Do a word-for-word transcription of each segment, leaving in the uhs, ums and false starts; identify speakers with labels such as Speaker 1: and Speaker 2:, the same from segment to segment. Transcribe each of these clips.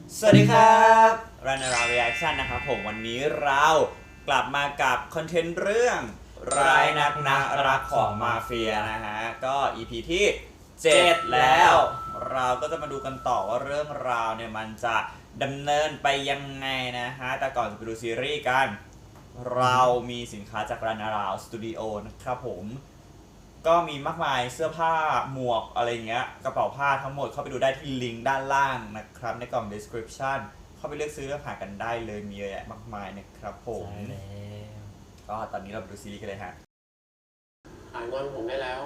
Speaker 1: สวัสดีครับรันนารา reaction นะครับผมวันนี้เรากลับมากับคอนเทนต์เรื่องร้ายนักนะรักของมาเฟียนะฮะก็ อี พี ที่เจ็ดแล้ว เราก็จะมาดูกันต่อว่าเรื่องราวเนี่ยมันจะดำเนินไปยังไงนะฮะแต่ก่อนจะไปดูซีรีส์กันเรามีสินค้าจากรันนาราสตูดิโอนะครับผมก็มีมากมายเสื้อผ้าหมวกอะไรเงี้ยกระเป๋าผ้าทั้งหมดเข้าไปดูได้ที่ลิงก์ด้านล่างนะครับในกล่อง description เข้าไปเลือกซื้อหากันได้เลยมีเยอะแยะมากมายนะครับผม
Speaker 2: ใช่แล้ว
Speaker 1: ก็ตอนนี้เราไปดูซีรีส์กันเลยฮะ
Speaker 3: หายงอนผมได้แล้ว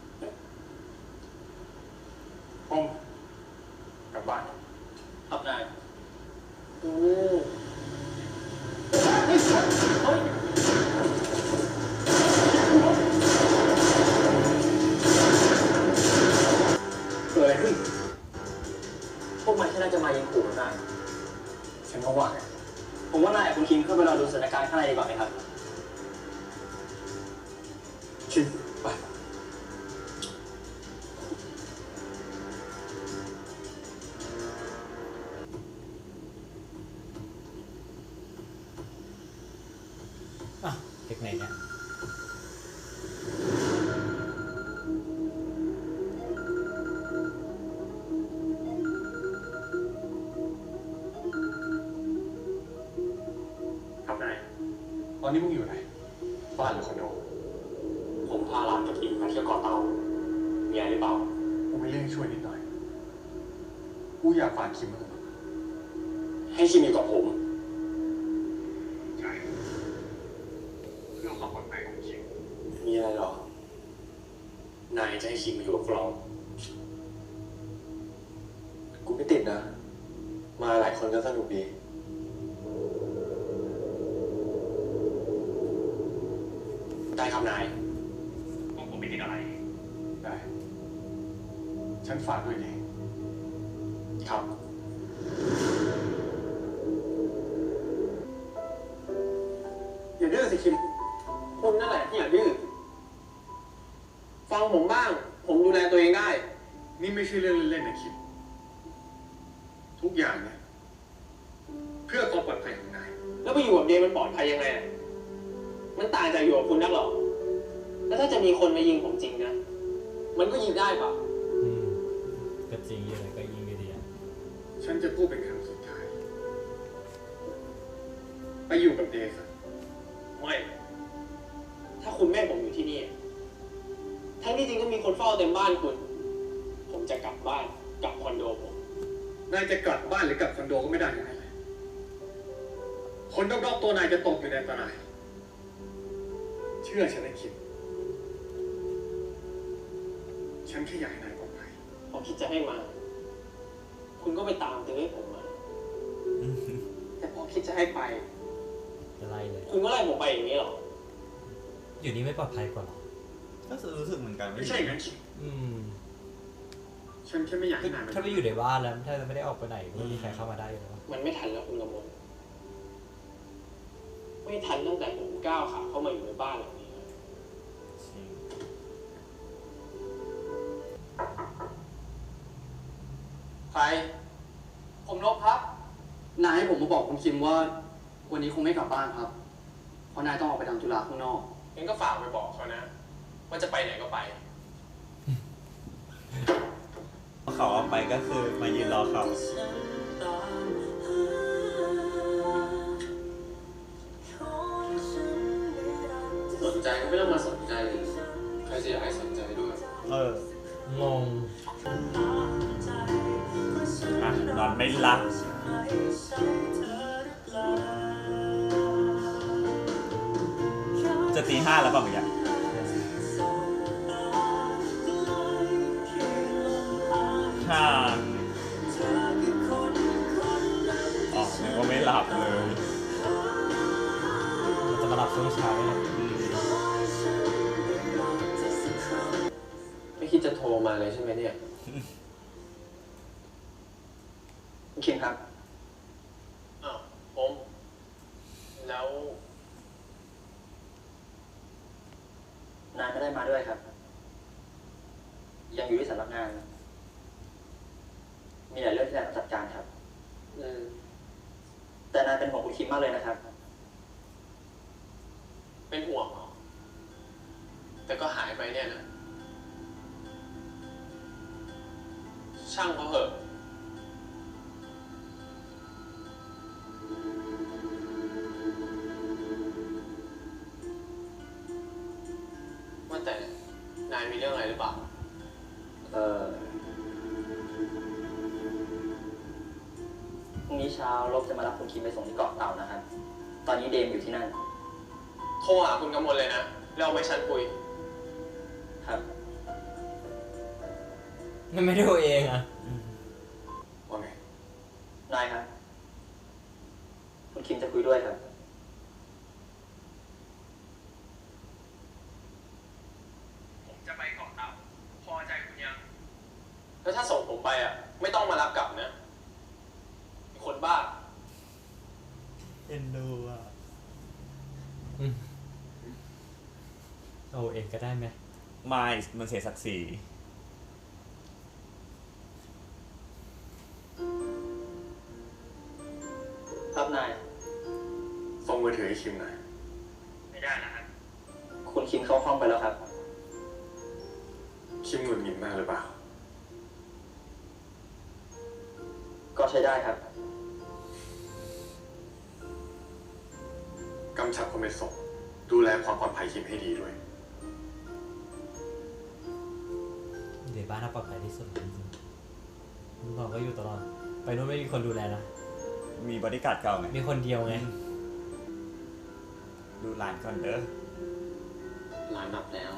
Speaker 3: ผมกลับบ้านครับนายอือเฮ้ยเกิดอะไรขึ้นพวกมันแค่น่าจะมายิงขู่นายฉันก็ว่าไงผมว่านายกับคุณคิมเข้าไปรอดูสถานการณ์ข้างในดีกว่าไหมครับคิมไป
Speaker 2: อ่ะเด็กไหนเนี่ย
Speaker 3: ครับนายตอนนี้มึงอยู่ไหนบ้านหรือคอนโดผมพาหลานกับอิมมาเที่ยวเกาะเต่ามีอะไรหรือเปล่ากูมีเรื่องช่วยนิดหน่อยกูอยากฝากคิมมาให้คิมอยู่กับผมใช่เรื่องความปลอดภัยของคิมมีอะไรหรอนายจะให้คิมมาอยู่กับเรากูไม่ติดนะ มาหลายคนก็สนุกดีได้ครับนายผมผมไม่ติดอะไรได้ฉันฝากด้วยดีครับอย่าดื้อสิคิมคุณนั่นแหละที่อย่าดื้อฟังผมบ้างผมดูแลตัวเองได้นี่ไม่ใช่เรื่องเล่นๆนะคิมทุกอย่างเนี่ยเพื่อความปลอดภัยของนายแล้วไปอยู่กับเดย์มันปลอดภัยยังไงมันต่างจากอยู่กับคุณนักหรอแล้วถ้าจะมีคนมายิงผมจริงนะมันก็ยิงได้ปะ
Speaker 2: อืมก็จริงยังไงก็ยิงดีอ่ะ
Speaker 3: ฉันจะพูดเป็นครั้งสุดท้ายไปอยู่กับเดย์ซะไม่ถ้าคุณแม่ผมอยู่ที่นี่ทั้งที่จริงก็มีคนเฝ้าเต็มบ้านคุณผมจะกลับบ้านกลับคอนโดผมนายจะกลับบ้านหรือกลับคอนโดก็ไม่ได้ทั้งนั้นเลยคนรอบๆตัวนายจะตกอยู่ในอันตรายเชื่อฉันนะคิดฉันแค่อยากให้นายปลอดภัยพอคิดจะให้มาคุณก็ไปตามตื้อให้ผมมาแต่พอคิดจะให้ไป
Speaker 2: จะไล่เลย
Speaker 3: คุณก็ไล่ผมไปอย่างนี้หรอ
Speaker 2: อยู่นี่ไม่ปลอดภัยกว่าหรอ
Speaker 1: ก็รู้สึกเหมือนกัน
Speaker 3: ไม่ใช่งั้นคิด
Speaker 2: อืม
Speaker 3: ฉันแค่ไม่อยากให้นาย
Speaker 2: ถ้าไม่อยู่ในบ้านแล้วถ้าไม่ได้ออกไปไหนไม่มีใครเข้ามาได้เลย
Speaker 3: มันไม่ทันแล้วคุณกำมลไม่ทันตั้งแต่ผมก้าวขาเข้ามาอยู่ในบ้านหลังนี้ใครผมนกครับนายให้ผมมาบอกคุณคิมว่าวันนี้คงไม่กลับบ้านครับเพราะนายต้องออกไปทำธุระข้างนอกงั้นก็ฝากไปบอกเขานะว่าจะไปไหนก็ไป
Speaker 1: เขาเอาไปก็คือมายืนรอเขา
Speaker 3: สนใจก็ไม่ต้องมาสนใจใครจะอยากให้สนใจด้วย
Speaker 1: เออง
Speaker 2: ง
Speaker 1: อ่ะนอนไม่หลับจะตีห้าแล้วเปล่าเมื่อกี้ห้าอ๋อนึกว่าไม่หลับเลย
Speaker 2: จะมาหลับช่วงเช้าเลย
Speaker 3: ไม่คิดจะโทรมาเลยใช่ไหมเนี่ยคุณคิมครับอ้าวผมแล้วนายไม่ได้มาด้วยครับยังอยู่ที่สำนักงานมีหลายเรื่องที่นายต้องจัดการครับอืม
Speaker 4: แต่นายเป็นห่วงคุณคิมมากเลยนะครับ
Speaker 3: เป็นห่วงเหรอ แต่ก็หายไปเนี่ยนะ ช่างเขาเหอะว่าแต่นายมีเรื่องอะไรหรือเปล่า
Speaker 4: เออพรุ่งนี้เช้าลบจะมารับคุณคิมไปส่งที่เกาะเต่านะครับ ตอนนี้เดมอยู่ที่นั่น
Speaker 3: โทรหาคุณกำมลเลยนะ แล้วเอาไปฉันคุย
Speaker 4: ครับ
Speaker 2: มันไม่ได้ตัวเองอ่ะ
Speaker 3: ว่าไง
Speaker 4: นายครับ คุณคิมจะคุยด้วยครับ
Speaker 3: ผมจะไปเกาะเต่า พอใจคุณยัง แล้วถ้าส่งผมไปอ่ะ ไม่ต้องมารับกลับนะไอ้คนบ้า
Speaker 1: เอ็นดูอ่ะ
Speaker 2: อืมเอาเองก็ได้ไหม
Speaker 1: ไม่มันเสียศักดิ์ศรี
Speaker 4: ครับนาย
Speaker 3: ส่งมือถือให้คิมหน่อย
Speaker 4: ไม่ได้นะครับ คุณคิมเข้าห้องไปแล้วครับ
Speaker 3: คิมหงุดหงิดมากหรือเปล่า
Speaker 4: ก็ใช้ได้ครับ
Speaker 3: กำชับคนไปส่ง ดูแลความปลอดภัยคิมให้ดีด้วย
Speaker 2: เดี๋ยวบ้านน่าปลอดภัยที่สุดจริงๆลูกน้องก็อยู่ตลอด ไปนู่นไม่มีคนดูแลนะ
Speaker 1: มีบริการดเก่าไง
Speaker 2: มีคนเดียวไง
Speaker 1: ดูหลานก่อนเด้อ
Speaker 3: ร้านดับแล้ว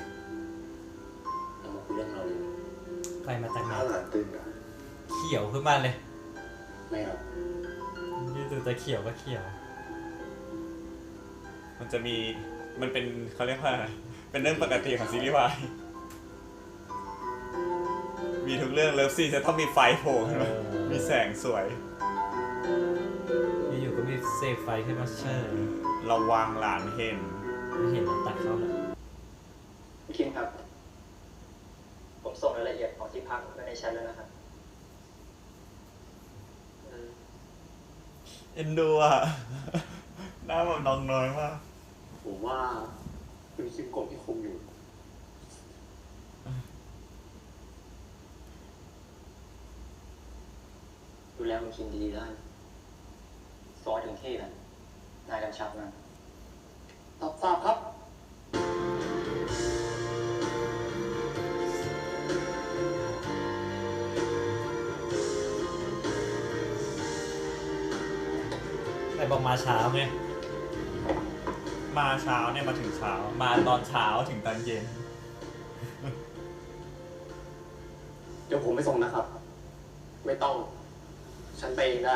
Speaker 3: เรามาคุยเรื่องเราเลย
Speaker 2: ใครมาจากไหน
Speaker 3: ถ้าหลานตื่นอะ
Speaker 2: เขียวขึ้นมาเลย
Speaker 3: ไม่เอา
Speaker 2: ยืดตัวจะเขียวก็เขียว
Speaker 1: มันจะมีมันเป็นเขาเรียกว่าอะไรเป็นเรื่องปกติของซีรีส์วายมีทุกเรื่องเลิฟซีนจะต้องมีไฟโผล่ขึ้นมา
Speaker 2: เออ
Speaker 1: มีแสงสวย
Speaker 2: อยู่ๆก็มีเสกไฟขึ้นมาเชิญ
Speaker 1: ระวังหลานเห็น
Speaker 2: ไม่เห็นมันตัดเข้าเลย
Speaker 4: คุณคิมครับ ผมส่งรายละเอียดของที่พักไว้ในแชทแล้วนะครับ
Speaker 1: เอ็นดูอ่ะ หน้าแบบน้องน้อยมาก
Speaker 3: ผมว่าคุณคิมกดที่คุมอยู่
Speaker 4: ดูแลคุณคิมดีๆได้ส่งให้ถึงที่นะนายกำชับนะ
Speaker 3: ตอบทราบครับ
Speaker 2: แต่บอกมาเช้าไง
Speaker 1: มาเช้าเนี่ยมาถึงเช้า มาตอนเช้าถึงตอนเย็น
Speaker 3: เดี๋ยวผมไปส่งนะครับ ไม่ต้อง ฉันไปเองได้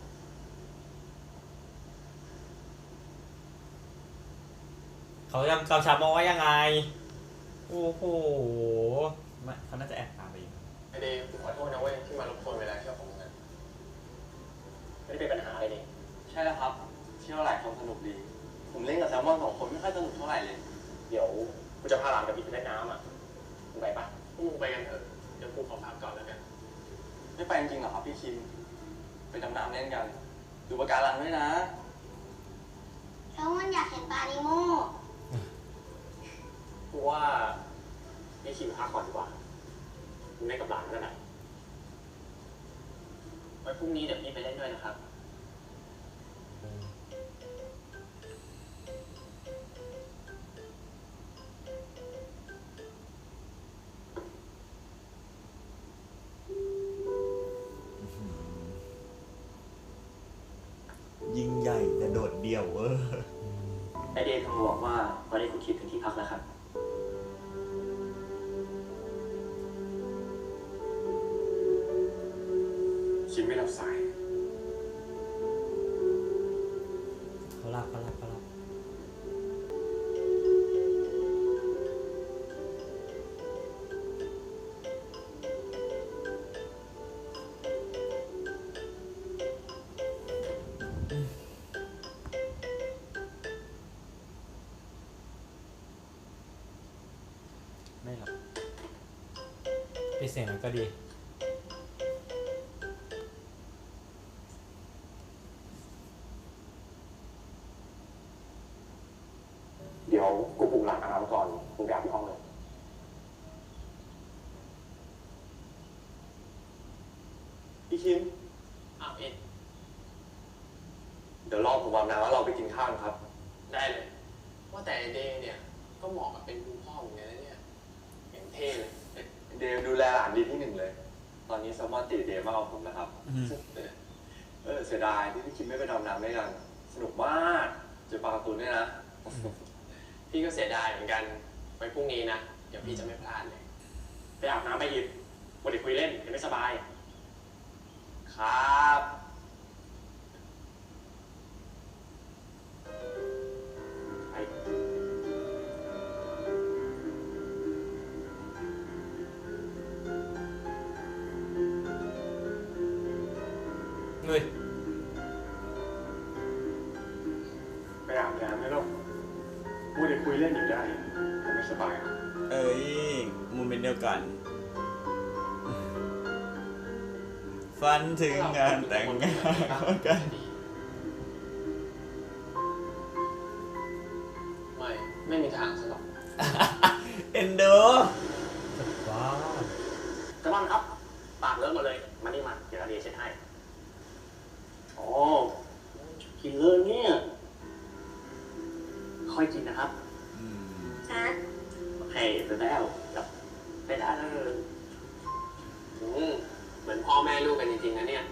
Speaker 2: เขาจำกำชับมาว่ายังไง โอ้โห
Speaker 1: ไม่เขาน่าจะแอบตามไปอีก
Speaker 3: ไอเดย์ขอโทษนะเว้ยที่มารบกวนเวลาเที่ยวของมึงนะ
Speaker 4: ไม่ได้เป็นปัญหาอะไรนี่
Speaker 3: ใช่แล้วครับ เที่ยวหลายคนสนุกดี ผมเล่นกับแซลมอนสองคนไม่ค่อยสนุกเท่าไหร่เลย
Speaker 4: เดี๋ยวกูจะพาหลานกับพี่ไปเล่นน้ำอ่ะมึงไปปะ
Speaker 3: พวกมึงไปกันเถอะ เดี๋ยวกูขอพักก่อนแล้วกัน
Speaker 5: ไม่ไปจริงๆเหรอครับพี่คิม ไปดำน้ำเล่นกัน ดูปะการังด้วยนะ
Speaker 6: แล้วมันอยากเห็นปลานิโม
Speaker 3: กูว่าพี่คิมพักก่อนดีกว่ามึงเล่นกับหลานนั่นแหละ
Speaker 4: ไว้พรุ่งนี้เดี๋ยวพี่ไปเล่นด้วยนะครับ
Speaker 1: ยิ่งใหญ่แต่โดดเดี่ยวเออ
Speaker 4: ไอเดย์โทรบอกว่าตอนนี้คุณคิมถึงที่พักแล้วครับ
Speaker 3: คิมไม่รับสาย
Speaker 2: เขารับเขารับเขารับ
Speaker 1: ไม่หรอก
Speaker 2: ปิดเสียงนั้นก็ดี
Speaker 3: พี่คิม
Speaker 5: อ้าวเอ็ด
Speaker 3: เดี๋ยวรอผมอาบน้ำแล้วเราไปกินข้าวครับ
Speaker 5: ได้เลย ว่าแต่ไอเดย์เนี่ย ก็เหมาะกับเป็นคุณพ่อเหมือนกันนะเนี่ยอย่างเท่เลย
Speaker 3: เดย์ดูแลหลานดีที่หนึ่งเลย ตอนนี้แซลมอนติดเดย์มากกว่าผมนะครับ เออเสียดายที่พี่คิมไม่ไปดำน้ำด้วยกัน สนุกมากเจอปลาการ์ตูนด้วยนะ
Speaker 5: พี่ก็เสียดายเหมือนกัน ไว้พรุ่งนี้นะ เดี๋ยวพี่จะไม่พลาดเลย
Speaker 3: ไปอาบน้ำไปหยิบวันเด็กคุยเล่นยังไม่สบาย ครับไอ
Speaker 2: เฮ้ย
Speaker 3: ไปอาบน้ำไม่หรอกวันเด็กคุยเล่นอยู่ได้ยังไม่สบายอ่ะ
Speaker 1: เอ้ยโมเมนต์เดียวกัน ฝันถึงงานแต่งงานกัน
Speaker 5: ไม่ ไม่มีทางสำหรับ
Speaker 1: เอ็นดู
Speaker 2: ว้าว
Speaker 4: แซลมอนครับ ปากเลิกหมดเลย มานี่มาเดี๋ยวเราเรียนเช็ดให้
Speaker 3: อ๋อกินเลยเนี่ย
Speaker 4: ค่อยกินนะครับ
Speaker 1: อืม
Speaker 6: ครับ
Speaker 4: โอเคไปแล้วกับไปได้แล้ว
Speaker 5: อืมเหมือนพ่อแม่ลูกกันจริงๆนะเนี่ย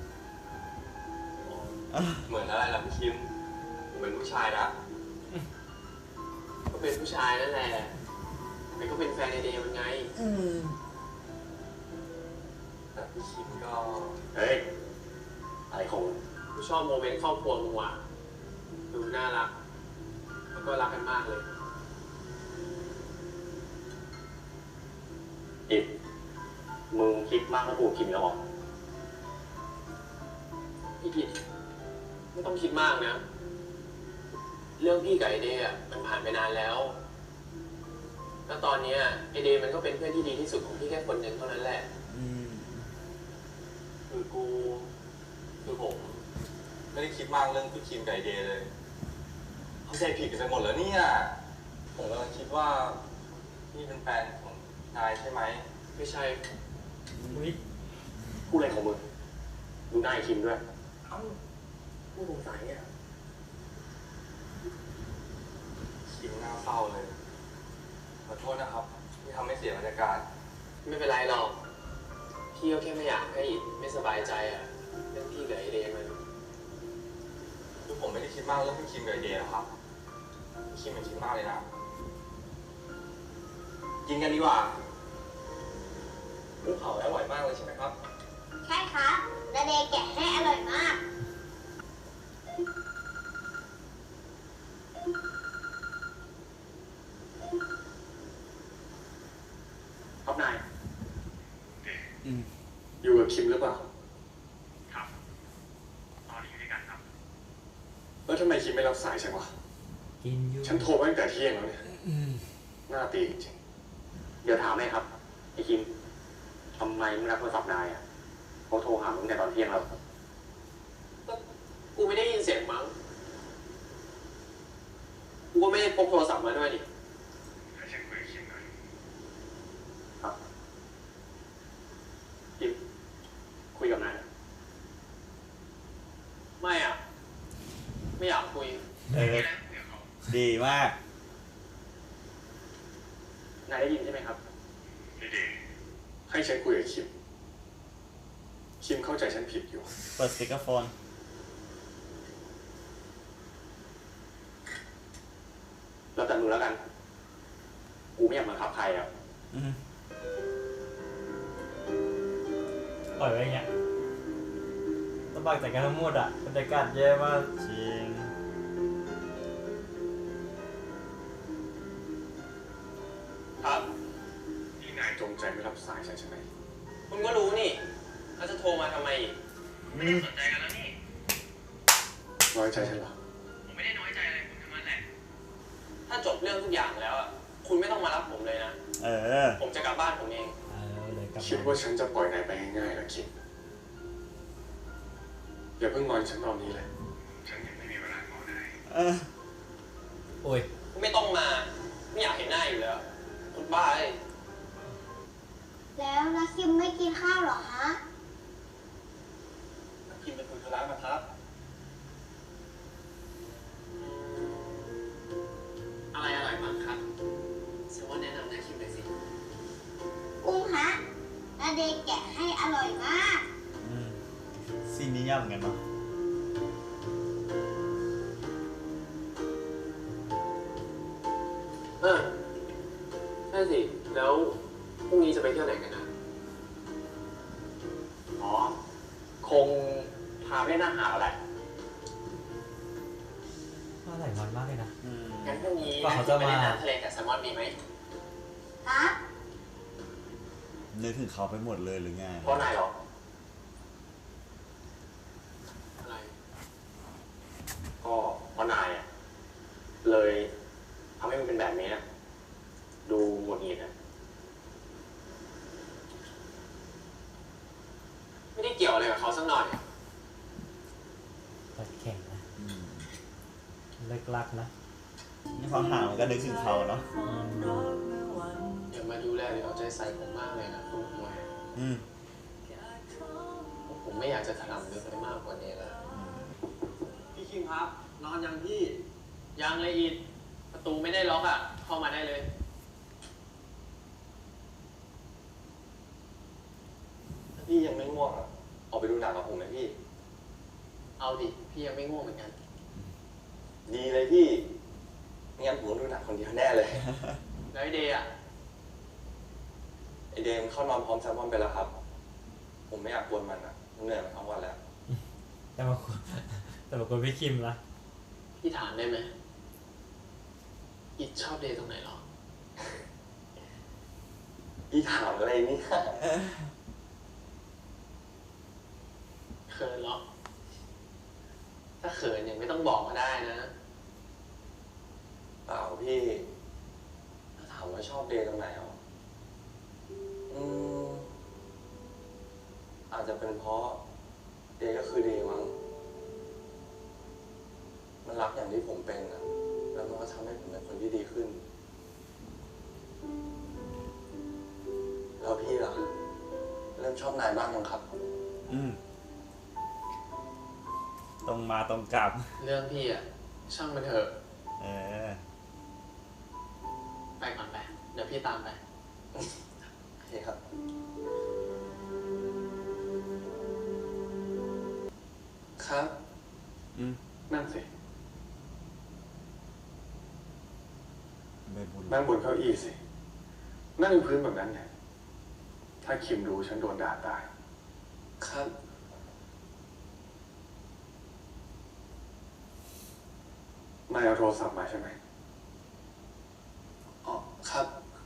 Speaker 3: เหมือนอะไรล่ะพี่คิมเหมือนผู้ชายนะ
Speaker 5: ก็เป็นผู้ชายนั่นแหละแต่ก็เป็นแฟนไอเดย์มันไง
Speaker 1: อืม
Speaker 3: แต่พี่คิมก็
Speaker 4: เฮ้ย อะไรของมึง
Speaker 5: กูชอบโมเมนต์ครอบครัวมึงว่ะดูน่ารัก แล้วก็รักกันมากเลย
Speaker 4: อิดมึงคิดมากแล้วกูกินแล้วหรอ
Speaker 5: พี่กิตไม่ต้องคิดมากนะ เรื่องพี่กับไอเดย์อะมันผ่านไปนานแล้ว แล้วตอนเนี้ยไอเดย์มันก็เป็นเพื่อนที่ดีที่สุดของพี่แค่คนหนึ่งเท่านั้นแหละ
Speaker 1: อืม
Speaker 3: คือกูคือผมไม่ได้คิดมากเรื่องพี่คิมกับไอเดย์เลยเข้าใจผิดกันไปหมดแล้วเนี่ยผมกำลังคิดว่านี่เป็นแฟนของนายใช่ไหม
Speaker 5: ไม่ใช่
Speaker 2: อุ้ย
Speaker 4: พูดอะไรของมึง ดูหน้าไอ้คิมด้วย เอ้าผู้สงสัยเนี่ย
Speaker 3: คิมน่าเศร้าเลยขอโทษนะครับที่ทำให้เสียบรรยากาศ
Speaker 5: ไม่เป็นไรหรอก พี่ก็แค่ไม่อยากให้อิดไม่สบายใจอะเรื่องพี่กับไอเดย์มัน
Speaker 3: คือผมไม่ได้คิดมากเรื่องพี่คิมกับไอเดย์นะครับพี่คิมมันคิดมากเลยนะ กินกันดีกว่าลูกเผาอร่อยมากเลยใช่ไหมครับ
Speaker 6: ใช่ครับนาเดย์แกะให้อร่อยมาก
Speaker 4: ครับนาย
Speaker 1: อืม
Speaker 3: อยู่กับคิมหรือเปล่า
Speaker 7: ครับตอนนี้อยู่ด้วยกันครับ
Speaker 3: แล้วทำไมคิมไม่รับสายฉันวะ
Speaker 2: กินอยู่
Speaker 3: ฉันโทรมาตั้งแต่เที่ยงแล้วเนี่ย
Speaker 2: อืม
Speaker 3: หน้าตีจริง
Speaker 4: เดี๋ยวถามให้ครับ ไอ้คิมทำไมมึงรับโทรศัพท์นายอ่ะเขาโทรหามึงแต่ตอนเที่ยงแล้ว
Speaker 5: ก็กูไม่ได้ยินเสียงมั้ง กูก็ไม่ได้พกโทรศัพท์มาด้วยดิ
Speaker 7: ให้ฉันคุยกับคิมหน่อย
Speaker 4: ครับคิมคุยกับนายนะ
Speaker 5: ไม่อ่ะ ไม่อยากคุย
Speaker 1: เออ
Speaker 7: เดี๋ยวเขา
Speaker 1: ดีมาก
Speaker 4: นายได้ยินใช่ไหมครับ
Speaker 7: ดี
Speaker 3: ๆ ให้ฉันคุยกับคิม คิมเข้าใจฉันผิดอยู่
Speaker 1: เปิดสปีกเกอร์โฟน
Speaker 4: แล้วแต่มึงแล้วกัน กูไม่อยากมาขับใครอ่ะ
Speaker 1: อืม
Speaker 2: ปล่อยไว้อย่างเงี้ยลำบากจากการทั้งหมดอ่ะบรรยากาศแย่มาก
Speaker 1: จริง
Speaker 5: ครับ
Speaker 3: นี่นายจงใจไม่รับสายฉันใช่ไหม
Speaker 5: คุณก็รู้นี่แล้วจะโทรมาทำไมอีก
Speaker 7: ๆไม่ได้สนใจกันแล้วนี่
Speaker 3: น้อยใจฉันเหรอ
Speaker 7: ผมไม่ได้น้อยใจอะไรคุณทั้งนั้นแหละ
Speaker 5: ถ้าจบเรื่องทุกอย่างแล้วอะคุณไม่ต้องมารับผมเลยนะ
Speaker 1: เออ
Speaker 5: ผมจะกลับบ้านผมเอง
Speaker 2: เออเลยกลับ
Speaker 3: คิด
Speaker 2: มา
Speaker 3: ว่าฉันจะปล่อยนายไปง่ายๆเหรอคิม อย่าเพิ่งงอนฉันตอนนี้เลย
Speaker 7: ฉันยังไม่มีเวลางอได้
Speaker 1: เออ
Speaker 2: โอ้ย
Speaker 5: ไม่ต้องมา ไม่อยากเห็นหน้าอยู่แล้วคุณบ้าเลย
Speaker 6: แล้วนักคิมไม่กินข้าวเหรอฮะร่อยมาก
Speaker 1: อืมซีนนี้ยากเหมือนกันเนาะ
Speaker 5: เออใช่สิ แล้วพรุ่งนี้จะไปเที่ยวไหนกันนะ
Speaker 4: อ๋อ คงพาไปนั่งหาแล้วแหละ
Speaker 2: ว่าหลายวันมากเลยนะ
Speaker 1: อืม
Speaker 5: งั้นพรุ่งนี้
Speaker 2: กว่าเขาจะมา
Speaker 5: ไปเล่นน้ำทะเลกับแซลมอนดีไหม
Speaker 6: ครับ
Speaker 1: นึกถึงเขาไปหมดเลยหรือไง
Speaker 4: เพราะนายเหรอ
Speaker 5: อะไร
Speaker 4: ก็เพราะนายอ่ะ เลยทำให้มันเป็นแบบนี้อะดูหงุดหงิดอ่ะ
Speaker 5: ไม่ได้เกี่ยวอะไรกับเขาสักหน่อย
Speaker 2: ตัดแข่งนะ
Speaker 1: อืม
Speaker 2: เลิกลักนะ
Speaker 1: นี่พอห่างมันก็นึกถึงเขาเนาะ
Speaker 2: อืม
Speaker 5: อย่ามาดูแลหรือเอาใจใส่ผมมากเลยนะคุณหมวย
Speaker 1: อืม
Speaker 5: ผมไม่อยากจะถลำลึกไปมากกว่านี้แล้ว
Speaker 3: พี่คิมครับ นอนยังพี่
Speaker 5: ยังเลยอีดประตูไม่ได้ล็อกอ่ะ เข้ามาได้เลย
Speaker 3: ถ้าพี่ยังไม่ง่วงอ่ะ ออกไปดูหนังกับผมไหมพี่
Speaker 5: เอาดิ พี่ยังไม่ง่วงเหมือนกัน
Speaker 3: ดีเลยพี่ไม่งั้นผมดูหนังคนเดียวแน่เลย
Speaker 5: แล้วไอเดย์อ่ะ
Speaker 3: ไอเดมเข้านอนพร้อมแซลมอนไปแล้วครับ ผมไม่อยากกวนมันอ่ะมันเหนื่อยมาทั้งวันแล้ว
Speaker 2: แต่บางคนแต่บางคนพี่คิมนะ
Speaker 5: พี่ถามได้ไหมอีดชอบเดย์ตรงไหนหรอ
Speaker 3: พี่ถามอะไรเนี่ย
Speaker 5: เขินเหรอ ถ้าเขินยังไม่ต้องบอกก็ได้นะ
Speaker 3: เปล่าพี่ ถ้าถามว่าชอบเดย์ตรงไหนอ่ะอืมอาจจะเป็นเพราะเดย์ก็คือเดย์มั้ง มันรักอย่างที่ผมเป็นอ่ะ แล้วมันก็ทำให้ผมเป็นคนที่ดีขึ้น แล้วพี่ล่ะ เริ่มชอบนายบ้างยังครับ
Speaker 1: อืม ตรงมาตรงกลับ
Speaker 5: เรื่องพี่อ่ะ ช่างมันเถอะ
Speaker 1: เออ
Speaker 5: ไปก่อนไป เดี๋ยวพี่ตามไป
Speaker 3: โอเคครับ ครับ
Speaker 1: อืม
Speaker 3: นั่งสิ
Speaker 1: ใบบุญ
Speaker 3: นั่งบนเก้าอี้สิ นั่งอยู่พื้นแบบนั้นเนี่ย ถ้าคิมรู้ฉันโดนด่าตาย ครับ นายเอาโทรศัพท์มาใช่ไหมอ๋อ ครับ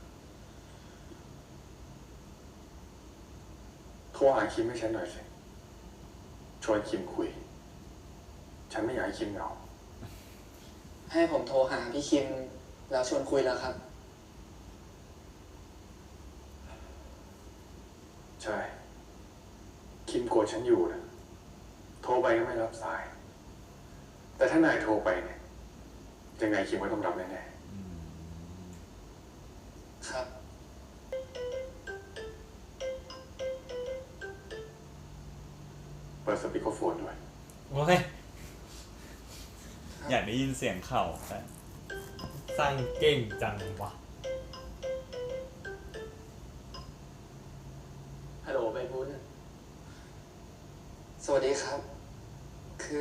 Speaker 3: โทรหาคิมให้ฉันหน่อยสิ ชวนคิมคุย ฉันไม่อยากให้คิมเหงา
Speaker 8: ให้ผมโทรหาพี่คิมแล้วชวนคุยแล้วครับ
Speaker 3: ใช่ คิมโกรธฉันอยู่นะ โทรไปก็ไม่รับสาย แต่ถ้านายโทรไปเนี่ย ยังไงคิมก็ต้องรับแน่
Speaker 1: อืม
Speaker 8: ๆ ครับ
Speaker 3: เปิดสปีกเกอร์โฟนด้วย
Speaker 2: โอเค
Speaker 1: อยากได้ยินเสียงเข่าแต่
Speaker 2: สร้างเก่งจังวะ
Speaker 5: ฮัลโหลใบบุญ
Speaker 8: สวัสดีครับ คือ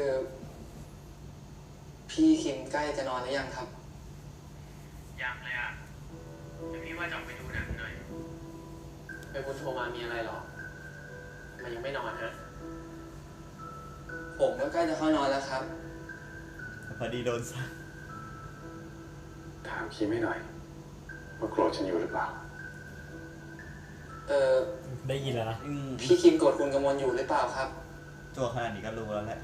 Speaker 8: พี่คิมใกล้จะนอนหรือยังครับ
Speaker 7: ยังเลยอ่ะ เดี๋ยวพี่ว่าจะออกไปดูหนังหน่อย
Speaker 5: ใบบุญโทรมามีอะไรหรอทำไมันยังไม่นอนฮะ
Speaker 8: ผมก็ใกล้จะเข้านอนแล้วครับ
Speaker 1: พอดีโดนสั่ง
Speaker 3: ถามคิมให้หน่อย ว่าโกรธฉันอยู่หรือเปล่า
Speaker 8: เออ
Speaker 2: ได้ยินแล้วนะ
Speaker 1: อืม
Speaker 8: พี่คิมโกรธคุณกมลอยู่หรือเปล่าครับ
Speaker 1: ตัวขนาดนี้ก็รู้แล้วแหละ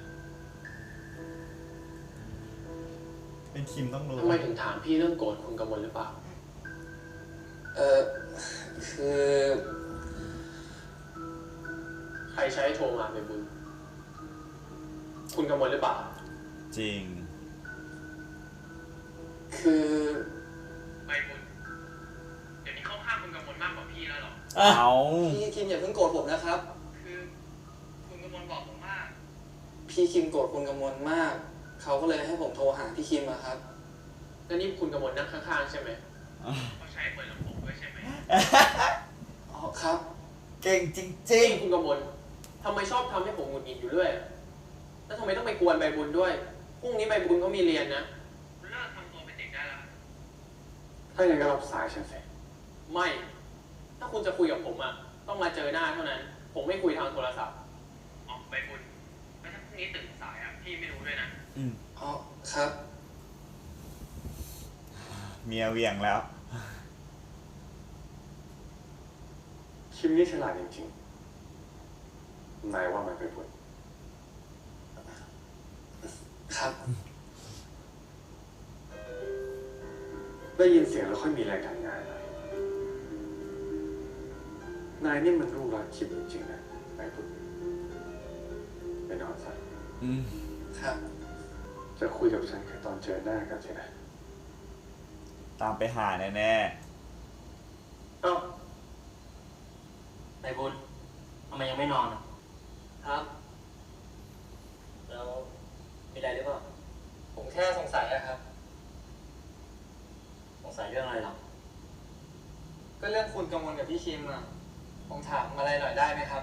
Speaker 1: เป็นคิมต้องรู้
Speaker 5: ทำไมถึงถามพี่เรื่องโกรธคุณกมลหรือเปล่า
Speaker 8: เออคือ
Speaker 5: ใครใช้โทรมาใบบุญ คุณกมลหรือเปล่า
Speaker 1: จริง
Speaker 8: คือ
Speaker 7: ใบบุญ เดี๋ยวนี้เข้าข้างคุณกำมลมากกว่าพี่แล้วเหรอ
Speaker 2: อ่ะ
Speaker 1: เอา
Speaker 8: พี่คิมอย่าเพิ่งโกรธผมนะครับ
Speaker 7: คือคุณกำมลบอกผมว่า
Speaker 8: พี่คิมโกรธคุณกมลมาก เขาก็เลยให้ผมโทรหาพี่คิมอะครับ
Speaker 5: แล้วนี่คุณกมลนั่งข้างๆใช่ไหม
Speaker 7: เขาใช้เปิดลำโพงด้วยใช่ไหม
Speaker 8: อ๋อครับ
Speaker 1: เก่งจริง
Speaker 5: นี่คุณกมลทำไมชอบทำให้ผมหงุดหงิดอยู่เรื่อยแล้วทำไมต้องไปกวนใบบุญด้วยพรุ่งนี้ใบบุญเขามีเรียนนะ
Speaker 7: คุณเลิกทำตัวเป็นเด็กได้แล้ว
Speaker 3: ถ้าอย่างนั้นก็รับสายฉันสิ
Speaker 5: ไม่ ถ้าคุณจะคุยกับผมอะต้องมาเจอหน้าเท่านั้น ผมไม่คุยทางโทรศัพท์
Speaker 7: อ๋อใบบุญแล้วถ้าพรุ่งนี้ตื่นสายอ่ะ พี่ไม่รู้ด้วยนะ
Speaker 1: ๆอืม
Speaker 8: อ๋อครับ
Speaker 1: เมียเหวี่ยงแล้ว
Speaker 3: คิมนี่ฉลาดจริงๆนายว่ามันเป็นผล
Speaker 8: ครับ
Speaker 3: ได้ยินเสียงแล้วค่อยมีแรงทำงานนะนายนี่มันรู้รักคิมจริงๆนะนายพุทธไปนอนซะ
Speaker 1: อืม
Speaker 8: ครับ
Speaker 3: จะคุยกับฉันแค่ตอนเจอหน้ากันใช่ไหม
Speaker 1: ตามไปหาแน่
Speaker 4: เอ้าไอ้บุญทำไมยังไม่นอนอ่ะ
Speaker 8: ครับ
Speaker 4: แล้วมีอะไรหรือเปล่า
Speaker 8: ผมแค่สงสัยอะครับ
Speaker 4: สงสัยเรื่องอะไรหรอ
Speaker 8: ก็เรื่องคุณกำมลกับพี่คิมอะผมถามอะไรหน่อยได้ไหมครับ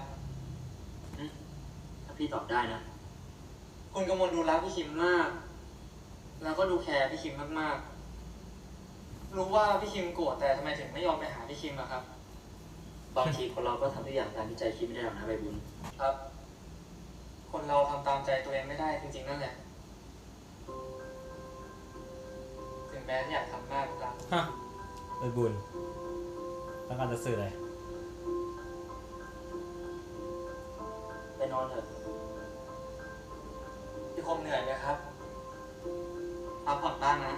Speaker 4: ถ้าพี่ตอบได้นะ
Speaker 8: คุณกำมลดูรักพี่คิมมาก แล้วก็ดูแคร์พี่คิมมากๆ รู้ว่าพี่คิมโกรธแต่ทำไมถึงไม่ยอมไปหาพี่คิมอะครับ
Speaker 4: บางทีคนเราก็ทำทุกอย่างตามที่ใจคิดไม่ได้หรอกนะใบบุญ
Speaker 8: ครับ คนเราทำตามใจตัวเองไม่ได้จริงๆนั่นแหละ ถึงแม้อยากทำมากก็ตาม
Speaker 2: ฮะไปบุญต้องการจะสื่ออะไร
Speaker 4: ไปนอนเถอะ
Speaker 8: พี่คมเหนื่อยไหมครับพักผ่อนบ้างนะ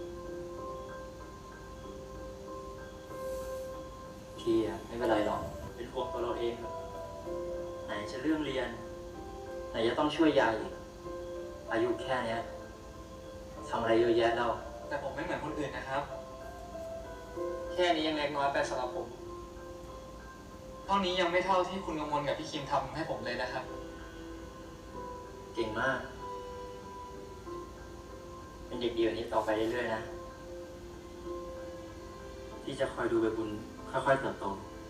Speaker 4: พี่อ่ะไม่เป็นไรหรอก เป็นห่วงตัวเราเองครับไหนจะเรื่องเรียน ไหนจะต้องช่วยยายอีก อายุแค่เนี้ยทำอะไรเยอะแยะแล้ว
Speaker 8: แต่ผมไม่เหมือนคนอื่นนะครับ แค่นี้ยังเล็กน้อยไปสำหรับผม เท่านี้ยังไม่เท่าที่คุณกำมลกับพี่คิมทำให้ผมเลยนะครับ
Speaker 4: เก่งมาก เป็นเด็กดีแบบนี้ต่อไปเรื่อยๆนะ ที่จะคอยดูใบบุญค่อยๆเติบโต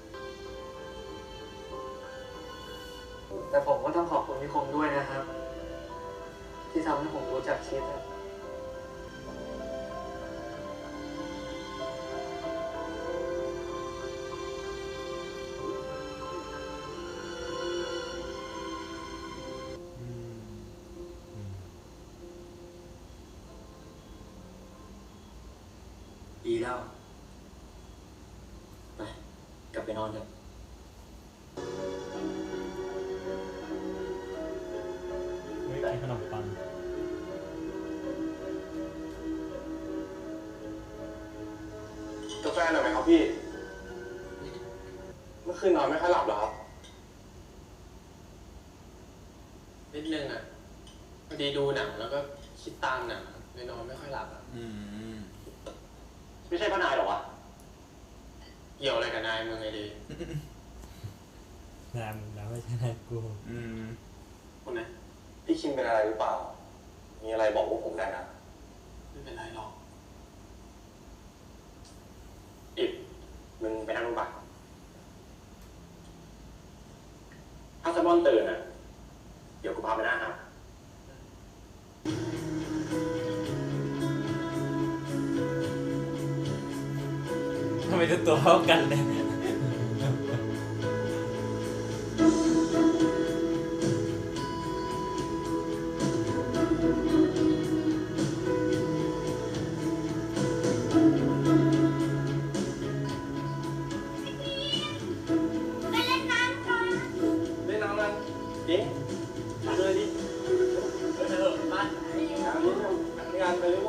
Speaker 8: แต่ผมก็ต้องขอบคุณพี่คมด้วยนะครับ ที่ทำให้ผมรู้จักคิดอะ
Speaker 2: อืมอืม
Speaker 4: ดีแล้ว ไป กลับไปนอนเถอะ
Speaker 2: เฮ้ยกินขนมปัง
Speaker 3: กาแฟหน่อยไหมครับพี่ เมื่อคืนนอนไม่ค่อยหลับเหรอครับ
Speaker 5: นิดนึงอะพอดีดูหนังแล้วก็คิดตามหนังเลยนอนไม่ค่อยหลับอะ
Speaker 1: ๆ อืม
Speaker 4: ไม่ใช่พ่อนายหรอวะ
Speaker 5: เกี่ยวอะไรกับนายมึงไงดี
Speaker 2: นายมึงแล้วไม่ใช่นายกู
Speaker 1: อืม
Speaker 5: คุณนะ
Speaker 3: พี่คิมเป็นอะไรหรือเปล่า มีอะไรบอกพวกผมได้นะ
Speaker 5: ไม่เป็นไรหรอก
Speaker 4: อิดมึงไปนั่งลงไปถ้าสมอนตื่นอ่ะ เดี๋ยวกูพาไปหน้าหาด
Speaker 2: ทำไมทุกตัวเท่ากันเลย
Speaker 6: ไปเล่นน้ำก่อน
Speaker 3: เล่นน้ำกัน
Speaker 4: ดิมาเลยดิเออเออมา
Speaker 3: น้ำนี่งานไปเร็ว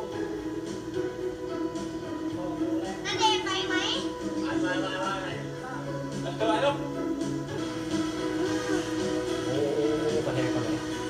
Speaker 6: นาเดชน์ไปไหม
Speaker 5: มามามามา
Speaker 4: เออแล้ว
Speaker 2: โอ้โหประเทศคนไหน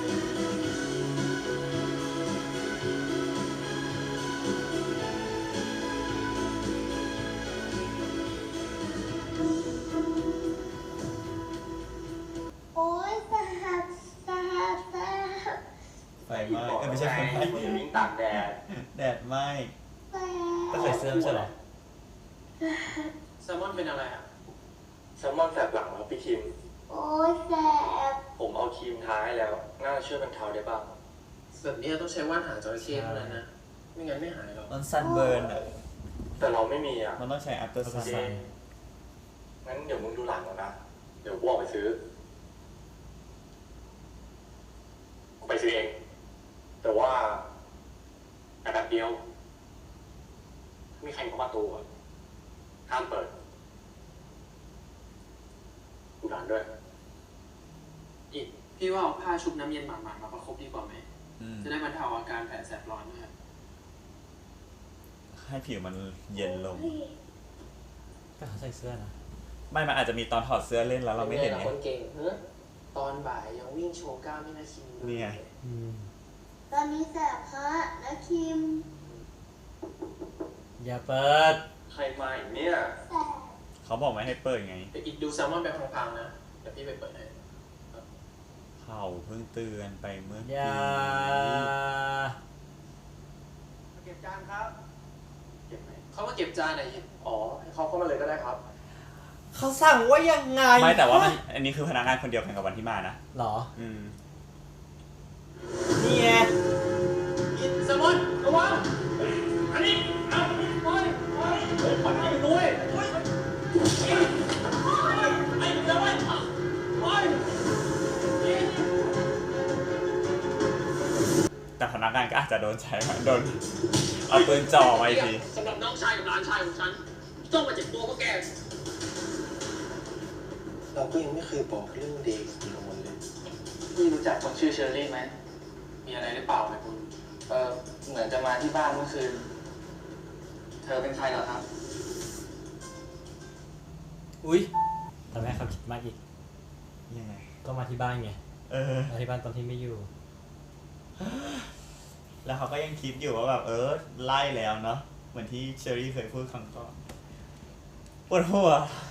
Speaker 6: โอ๊ยสหัสสหัสสหัส
Speaker 1: ไฟไหม้เอ้ยไม่ใช่ไฟไหม้
Speaker 4: มึงวิ่งตากแดด
Speaker 1: แดดไหม้
Speaker 6: สหั
Speaker 2: ก็
Speaker 6: ส
Speaker 2: ใส่เสื้อไม่ใช่เหรอ
Speaker 5: แซลมอนเป็นอะไรอะ
Speaker 3: แซลมอนแสบหลังแล้วพี่คิม
Speaker 6: โอ้ยแสบ
Speaker 3: ผมเอาครีมทาให้แล้ว น่าจะช่วยบรรเทาได้บ้าง
Speaker 5: แบบนี้ต้องใช้ว่านหางจระเข้เท่านั้นนะ ไม่งั้นไม่หายหรอก
Speaker 1: มันซันเบิร์นอ่ะ
Speaker 3: แต่เราไม่มีอ่ะ
Speaker 1: มันต้องใช้อัลตราซาวด์
Speaker 3: งั้นเดี๋ยวมึงดูหลังก่อนนะ เดี๋ยวกูออกไปซื้อ กูไปซื้อเอง แต่ว่าแต่แบบเดียว มีใครเข้าประตูอ่ะห้ามเปิดดูหลานด้วย
Speaker 5: อีกพี่ว่าเอาผ้าชุบน้ำเย็นหมาดๆมาประคบดีกว่าไหม
Speaker 1: อืม
Speaker 5: จะได้บรรเทาอาการแผลแสบร้อนด้วย
Speaker 1: ให้ผิวมันเย็นลง
Speaker 2: ก็เขาใส่เสื้อนะ
Speaker 1: ไม่ มันอาจจะมีตอนถอดเสื้อเล่นแล้วเราไม่เห็น
Speaker 5: ป็
Speaker 1: ไง
Speaker 5: งล่ะคนเก่งเฮ้ตอนบ่ายยังวิ่งโชว์กล้ามให้นาคิมดู
Speaker 1: นี่ไง
Speaker 2: อืม
Speaker 6: ตอนนี้แสบฮะนะคิม
Speaker 2: อย่าเปิด
Speaker 3: ใครมาอีกเนี่ย
Speaker 6: แสบ
Speaker 1: เขาบอกไม่ให้เปิดไง
Speaker 5: เดี๋ยวอีกดูแซลมอนไปพังๆนะ เดี๋ยวพี่ไปเปิดให้
Speaker 1: เขาเพิ่งเตือนไปเมื่อ
Speaker 2: อ
Speaker 1: กี้
Speaker 2: ย่า
Speaker 8: เก็บจานครับ
Speaker 5: เก็บไหมเขามาเก็บจานไหนอยอีก
Speaker 3: อ๋อ ให้เขาเข้ามาเลยก็ได้ครับ
Speaker 2: เขาสั่งว่ายังไง
Speaker 1: ไม่แต่ว่ามันอันนี้คือพนักงานคนเดียวกันกับวันที่มานะ
Speaker 2: หรอ
Speaker 1: อืม
Speaker 2: นี่ไง
Speaker 5: อีกแซลมอนระวังอันนี้เอาไปไปไปปัดให้ไปด้วยไปไอ้แซลมอนไป
Speaker 1: แต่พนักงานก็อาจจะโดนใช้โดนเอาปืนจ่อมาอีกที
Speaker 5: สำหรับน้องชายกับหลานชายของฉัน ต้องมาเจ็บตัวเพราะแก
Speaker 3: เราก็ยังไม่เคยบอกเรื่องเดย์กับมันเลย
Speaker 8: พี่รู้จักคนชื่อเชอรี่ไหม
Speaker 5: มีอะไรหรือเปล่าไหมคุณ
Speaker 8: เออเหมือนจะมาที่บ้านเมื่อคืน เธอเป็นใครเหรอครับ
Speaker 2: อุ้ยทำให้เขาคิดมากอีก
Speaker 1: ยังไง
Speaker 2: ก็มาที่บ้านไง
Speaker 1: เออ
Speaker 2: มาที่บ้านตอนที่ไม่อยู่
Speaker 1: แล้วเขาก็ยังคิดอยู่ว่าแบบเออไล่แล้วเนาะ เหมือนที่เชอรี่เคยพูดครั้งก่อนปวดหัว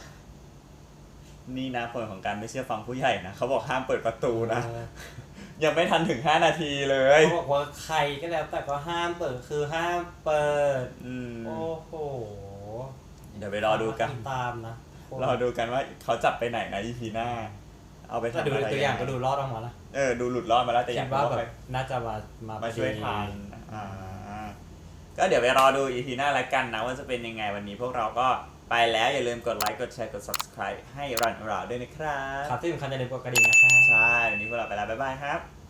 Speaker 1: นี่นะผลของการไม่เชื่อฟังผู้ใหญ่นะเขาบอกห้ามเปิดประตูนะ
Speaker 2: เออ
Speaker 1: ยังไม่ทันถึงห้านาทีเลย
Speaker 2: เขาบอกว่าใครก็แล้วแต่ก็ห้ามเปิดคือห้ามเปิด
Speaker 1: อืม
Speaker 2: โอ้โห
Speaker 1: เดี๋ยวไปรอดูกัน
Speaker 2: ตามนะ
Speaker 1: รอดูกันว่าเขาจับไปไหนนะ อี พี หน้า เอาไป
Speaker 2: แต่
Speaker 1: ทำ
Speaker 2: ดู
Speaker 1: อะไร
Speaker 2: ตัวอย่างก็ดูรอดออกมาละ
Speaker 1: เออ ดูหลุดรอดมาแล้วแต่อ
Speaker 2: คิ
Speaker 1: ยา
Speaker 2: ด
Speaker 1: ก
Speaker 2: ว่า
Speaker 1: รู้ว่า
Speaker 2: แบ
Speaker 1: ใคร
Speaker 2: บน่าจะมามา
Speaker 1: มาช่วย
Speaker 2: พอดี
Speaker 1: ทานอ่า ก็เดี๋ยวไปรอดู อี พี หน้าละกันนะว่าจะเป็นยังไงวันนี้พวกเราก็ไปแล้วอย่าลืมกดไลค์กดแชร์กด subscribe ให้รันเราด้วยนะครับ
Speaker 2: ครับที่สำคัญอย่าลืมกดกระดิ่งนะครับ
Speaker 1: ใช่ วันนี้พวกเราไปแล้ว บ๊ายบายครับ